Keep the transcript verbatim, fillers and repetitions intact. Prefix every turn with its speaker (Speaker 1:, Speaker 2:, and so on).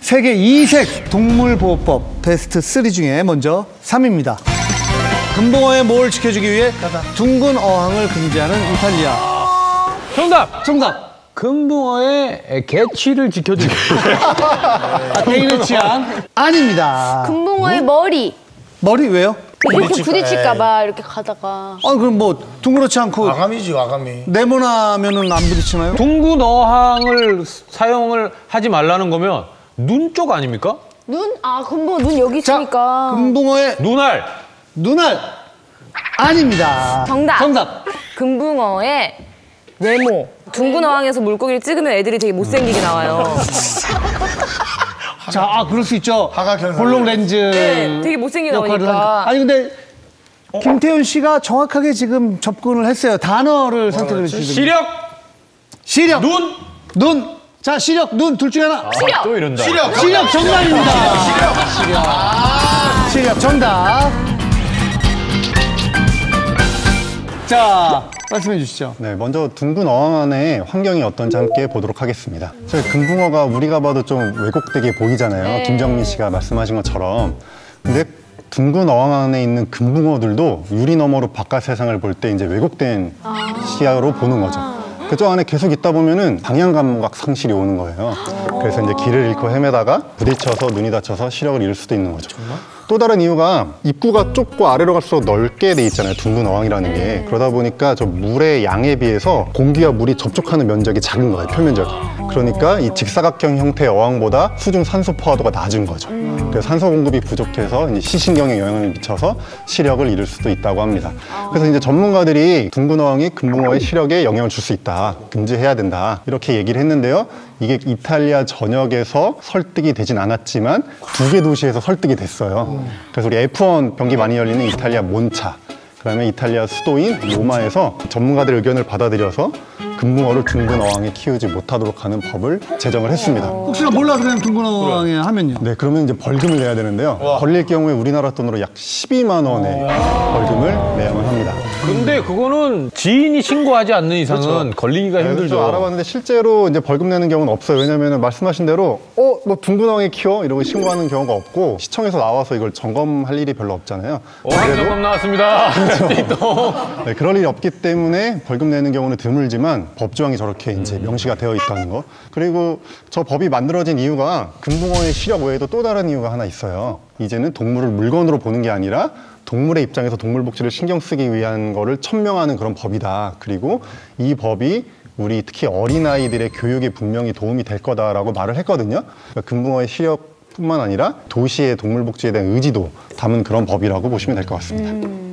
Speaker 1: 세계 이색 동물보호법 베스트 쓰리 중에 먼저 삼 위입니다. 금붕어의 모를 지켜주기 위해 둥근 어항을 금지하는 이탈리아.
Speaker 2: 정답!
Speaker 1: 정답!
Speaker 2: 금붕어의 개취를 지켜주기 위해.
Speaker 1: 아, 개인의 취향? 아닙니다.
Speaker 3: 금붕어의 머리.
Speaker 1: 머리 왜요?
Speaker 3: 이렇게 부딪힐까봐 이렇게 가다가.
Speaker 1: 아, 그럼 뭐 둥그렇지 않고
Speaker 4: 아가미지, 아가미.
Speaker 1: 네모나면은 안 부딪히나요?
Speaker 2: 둥근 어항을 사용을 하지 말라는 거면 눈 쪽 아닙니까?
Speaker 3: 눈? 아, 금붕어 눈 여기
Speaker 1: 자,
Speaker 3: 있으니까.
Speaker 1: 금붕어의
Speaker 2: 눈알!
Speaker 1: 눈알! 아닙니다.
Speaker 3: 정답!
Speaker 1: 정답!
Speaker 3: 금붕어의 외모. 둥근 어항에서 물고기를 찍으면 애들이 되게 못생기게 나와요.
Speaker 1: 자, 아, 그럴 수 있죠.
Speaker 4: 하각형
Speaker 1: 볼록 렌즈.
Speaker 3: 네, 되게 못생기게
Speaker 1: 역할을
Speaker 3: 나오니까.
Speaker 1: 하니까. 아니, 근데 김태훈 씨가 정확하게 지금 접근을 했어요. 단어를 선택을 해주시거든요.
Speaker 2: 시력!
Speaker 1: 시력.
Speaker 2: 눈!
Speaker 1: 눈. 자, 시력, 눈 둘 중에 하나.
Speaker 3: 시력!
Speaker 2: 또 이런다.
Speaker 4: 시력!
Speaker 1: 시력 정답입니다. 시력. 시력. 시력 정답. 자, 말씀해 주시죠.
Speaker 5: 네, 먼저 둥근 어항 안의 환경이 어떤지 함께 보도록 하겠습니다. 저희 금붕어가 우리가 봐도 좀 왜곡되게 보이잖아요.
Speaker 3: 네.
Speaker 5: 김정민 씨가 말씀하신 것처럼. 근데 둥근 어항 안에 있는 금붕어들도 유리 너머로 바깥 세상을 볼 때 이제 왜곡된 시야로 보는 거죠. 그쪽 안에 계속 있다 보면은 방향 감각 상실이 오는 거예요. 그래서 이제 길을 잃고 헤매다가 부딪혀서 눈이 다쳐서 시력을 잃을 수도 있는 거죠. 또 다른 이유가 입구가 좁고 아래로 갈수록 넓게 돼 있잖아요. 둥근 어항이라는 게. 그러다 보니까 저 물의 양에 비해서 공기와 물이 접촉하는 면적이 작은 거예요. 표면적이. 그러니까 이 직사각형 형태의 어항보다 수중 산소 포화도가 낮은 거죠. 그래서 산소 공급이 부족해서 이제 시신경에 영향을 미쳐서 시력을 잃을 수도 있다고 합니다. 그래서 이제 전문가들이 둥근 어항이 금붕어의 시력에 영향을 줄 수 있다. 금지해야 된다. 이렇게 얘기를 했는데요. 이게 이탈리아 전역에서 설득이 되진 않았지만 두 개 도시에서 설득이 됐어요. 그래서 우리 에프 원 경기 많이 열리는 이탈리아 몬차, 그다음에 이탈리아 수도인 로마에서 전문가들의 의견을 받아들여서 금붕어를 둥근 어항에 키우지 못하도록 하는 법을 제정을 했습니다.
Speaker 1: 혹시나 몰라서 그냥 둥근 어항에 하면요?
Speaker 5: 네, 그러면 이제 벌금을 내야 되는데요. 와. 걸릴 경우에 우리나라 돈으로 약 십이만 원의 벌금을 내야만 합니다.
Speaker 2: 근데 그거는 지인이 신고하지 않는 이상은
Speaker 5: 그렇죠.
Speaker 2: 걸리기가
Speaker 5: 네,
Speaker 2: 힘들죠.
Speaker 5: 그래서 알아봤는데 실제로 이제 벌금 내는 경우는 없어요. 왜냐하면 말씀하신 대로 어, 뭐 둥근 어항에 키워? 이러고 신고하는 경우가 없고 시청에서 나와서 이걸 점검할 일이 별로 없잖아요.
Speaker 2: 어항 점검 나왔습니다.
Speaker 5: 네, 그럴 일이 없기 때문에 벌금 내는 경우는 드물지만 법조항이 저렇게 이제 명시가 되어 있다는 거. 그리고 저 법이 만들어진 이유가 금붕어의 시력 외에도 또 다른 이유가 하나 있어요. 이제는 동물을 물건으로 보는 게 아니라 동물의 입장에서 동물 복지를 신경 쓰기 위한 거를 천명하는 그런 법이다. 그리고 이 법이 우리 특히 어린아이들의 교육에 분명히 도움이 될 거다라고 말을 했거든요. 그러니까 금붕어의 시력뿐만 아니라 도시의 동물 복지에 대한 의지도 담은 그런 법이라고 보시면 될 것 같습니다.
Speaker 3: 음.